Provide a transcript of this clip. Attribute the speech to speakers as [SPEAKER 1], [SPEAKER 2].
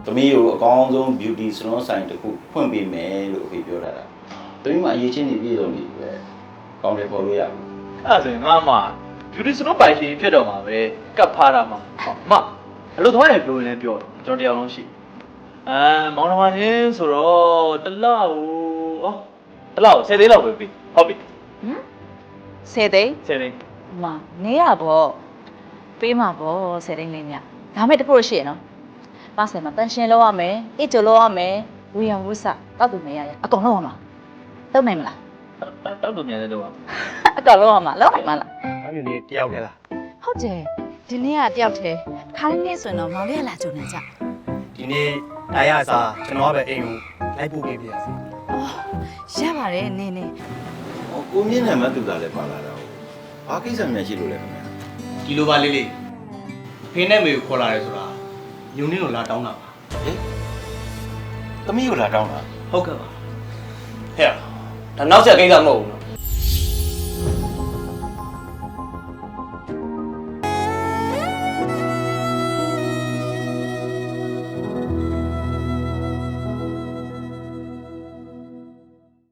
[SPEAKER 1] သမီးကိုအကောင်းဆုံး beauty salon ဆိုင်တစ်ခုဖွင့်ပေးမယ်လို့အဖေပြောတာ။သမီးမှာအရေးချင်းနေပြည့်စုံနေပြီပဲ။ကောင်းတယ်ပေါ်လို့ရပြီ
[SPEAKER 2] အဲ့ဒါဆိုရင်ငါမှ beauty salon ပိုင်ရှင်ဖြစ်တော့မှာပဲကပ်ဖားတာမှာမအလို့သွားတယ်ပြောရင်လည်းပြောကျွန်တော်တရားလုံးရှိမောင်နှမချင်းဆိုတော့တစ်လောက်တစ်လောက်10သိန်းလောက်ပဲပြီဟုတ်ပြီ
[SPEAKER 3] 10 သိန်း
[SPEAKER 2] 10သိန်း
[SPEAKER 3] မနေရပေါ့ပေးမှာပေါ့10 သိန်းလေးမြဒါမဲ့တခုရှိရနော်ပါဆယ်မှာတန်ရှင်းလောက်ရမယ်အိတ်ကြလောက်ရမယ်ဝေယံဝုစတောက်သူမရရအကုန်လောက်ရမှာတုံးနိုင်မလား
[SPEAKER 2] တောက်တူမြန်တဲ့တော့
[SPEAKER 3] အကောင်လောက်ရမှာလောက်နိုင်မလား
[SPEAKER 4] အဲ့ဒီနေ့တယောက်တည်းလား
[SPEAKER 3] ဟုတ်တယ်ဒီနေ့ကတယောက်တည်းခါးလေးဆိုရင်တော့မောင်လေးကလာကြုံနေကြ
[SPEAKER 4] ဒီနေ့တိုင်းရစားကျွန်တော်ကပဲအိမ်ကိုလိုက်ပို့ပေးပြရစီ
[SPEAKER 3] ရပါတယ်နင်း
[SPEAKER 1] ။ဟောကိုမြင့်နဲ့မတူတာလည်းပါလာတော့။ဘာကိစ္စများရှိလို့လဲခင်ဗျာ
[SPEAKER 4] ဒီလိုပါလေးလေးဖေးနဲ့မေကိုခေါ်လာတယ်ဆိုတာညုံနေလို့လာတောင်းတာပါ
[SPEAKER 1] ။ဟေးသမီးကိုလာတောင်းတာ
[SPEAKER 4] ဟုတ်ကဲ့ပါ
[SPEAKER 5] ဟဲ့ဒါနောက်ဆက်ကိစ္စမဟုတ်ဘူး